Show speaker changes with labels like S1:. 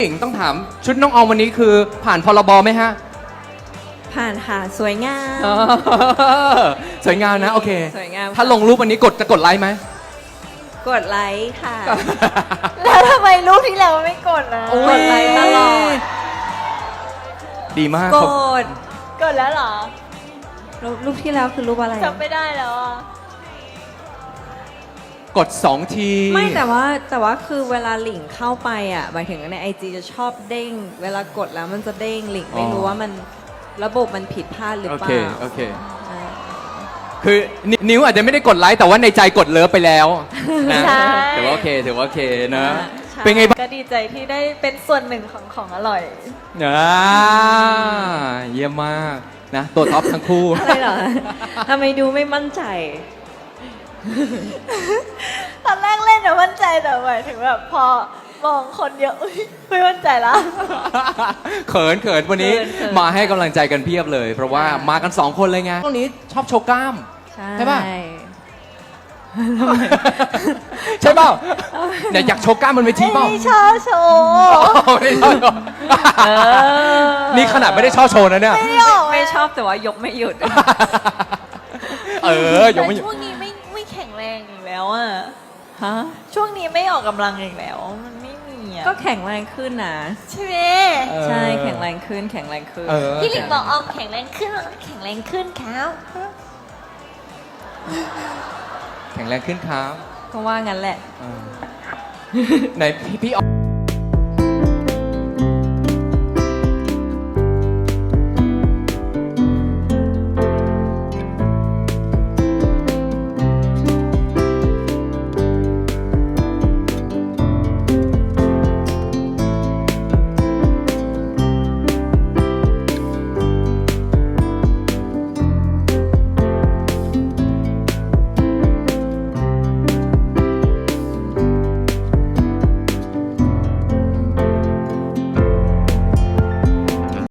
S1: หญิงต้องถามชุดน้องออมวันนี้คือผ่านพรบไหมฮะ
S2: ผ่านค่ะสวยงาม
S1: สวยงามนะ โอเค
S2: สวยงาม
S1: ถ้าลงรูปวันนี้จะกดไลค์ไหม
S2: กดไลค์ค่ะ
S3: แล้วทำไมรูปที่แล้วไม่กดนะ
S2: กดไลค์ตลอด
S1: ดีมาก
S2: ก
S1: ครับ
S2: ด
S3: กดแล้วเหรอ
S2: รูปที่แล้วคือรูปอะไร
S3: จำไม่ได้แล้วอ่ะ
S1: กด2 ที
S2: ไม่แต่ว่าคือเวลาหลิงเข้าไปอ่ะหมายถึงใน IG จะชอบเด้ง เวลากดแล้วมันจะเด้งหลิงไม่รู้ว่ามันระบบมันผิดพลาดหรือ
S1: โอ
S2: เป
S1: เค
S2: ล่า
S1: โอเค คือนิ้วอาจจะไม่ได้กดไลค์แต่ว่าในใจกดเลิฟไปแล้วนะ
S3: ใช่
S1: ถือว่าโอเคถือว่าโอเคนะ
S2: ใช่
S1: เป็นไงบ้าง
S3: ก็ดีใจที่ได้เป็นส่วนหนึ่งของอร่อย
S1: เยี่ยมมากนะตัวท็อปทั้งคู่
S2: อะไรเหรอทำไมดูไม่มั่นใจ
S3: ตอนแรกเล่นอะมั่นใจแต่หมายถึงแบบพอมองคนเยอะอุ๊ยไม่มั่นใจละ
S1: เขินวันนี้
S2: เขิน
S1: มาให้กำลังใจกันเพียบเลย เพราะว่ามากัน2 คนเลยไงตรงนี้ชอบโชว์กล้าม ใช่ป่ะ ใช่เปล่าเนี่ยอยากโชว์กล้ามบนเวที
S3: ไม่
S1: เปล่า
S3: ได้ชอบโชว์
S1: ไม่ได้ชอบโชว์นี่ขนาดไม่ได้ชอบโชว์นะเนี่ย
S3: ไม่ได้ออก
S2: ไม่ชอบแต่ว่ายกไม่หยุด
S1: ยังไม่
S3: แต่ช่วงนี้ไม่แข็งแรงอีกแล้วอ่ะ
S2: ฮะ
S3: ช่วงนี้ไม่ออกกำลังอีกแล้ว มันไม่มีอ่ะ
S2: ก็แข็งแรงขึ้นนะ
S3: ใช่ไหม
S2: ใช่แข็งแรงขึ้นแข็งแรงขึ้น
S3: พี่หลิงบอกออมแข็งแรงขึ้นแข็งแรงขึ้นครับ
S1: แข็งแรงขึ้นครับ
S2: ก็ว่างั้นแหละ
S1: ไหนพี่ออม